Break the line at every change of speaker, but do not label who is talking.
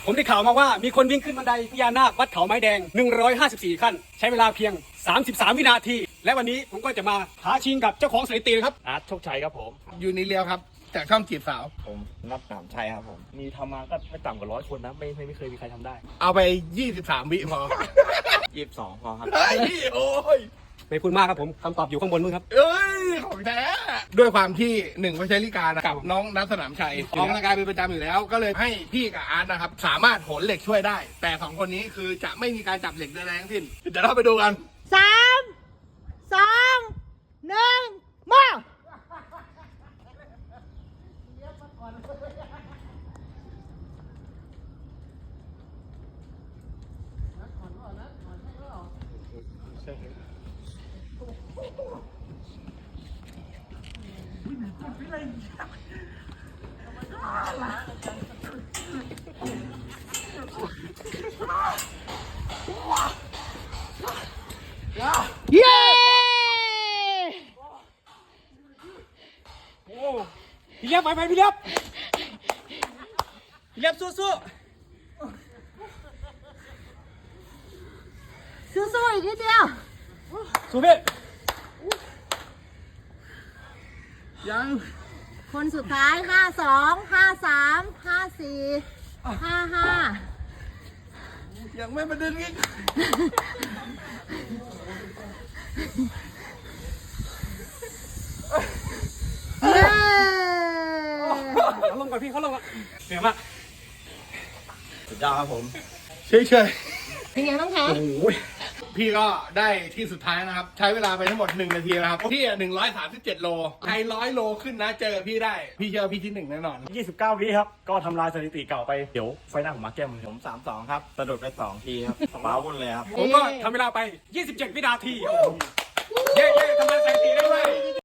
ผมได้ข่าวมาว่ามีคนวิ่งขึ้นบันไดพญานาควัดเขาไม้แดง154ขั้นใช้เวลาเพียง33วินาทีและวันนี้ผมก็จะมาท้าชิงกับเจ้าของสถิติครับ
อาร์ตโชคชัยครับผม
ยูนิเลียวครับจากช่องจีบสาว
ผมนับหนามชัยครับผม มีทำมาก็ไม่ต่ำกว่า100 คนนะไม่เคยมีใครทำได้
เอาไป23 วิพอ
22 พอครับ
เฮ้ยโอ้ย
ไม่พูดมากครับผมคำตอบอยู่ข้างบนนู้นครับ
เอ้ยของแท้ด้วยความที่หนึ่งพัชริการกับน้องนัทสนามชัยออกกำลังกายเป็นประจำอยู่แล้ว ก็เลยให้พี่กับอาร์ตนะครับสามารถโหนเหล็กช่วยได้ แต่สองคนนี้คือจะไม่มีการจับเหล็กใดๆทั้งสิ้นเดี๋ยวเราไปดูกัน
3 2 1มาเย้
พี่เลียบไปพี่เลียบพี่เลียบสู้
สู้ๆอีกนิดเดียว
ๆสู้พี่
ยัง
คนสุดท้าย 52 53 54 55
ยังไม่มาดึงอีก
เย้
เขาลงก่อนพี่เขาลงก่อนเหนื่อยมาก
สุดยอดครับผม
เฉย
เป็นไงบ้างคะ
โอ้ย
ๆพี่ก็ได้ที่สุดท้ายนะครับ ใช้เวลาไปทั้งหมด1 นาทีนะครับพี่137 โลใคร100 โลขึ้นนะเจอพี่ได้ พี่เชื่อพี่ที่ 1 แน่นอน
29 วิครับ ก็ทำลายสถิติเก่าไป เดี๋ยวไฟหน้าผมมาแก้มือผม 32 ครับสะดุดไป 2 ทีครับว้าวุ่นเลยครับ
ผมก็ทำเวลาไป27วินาทีเย้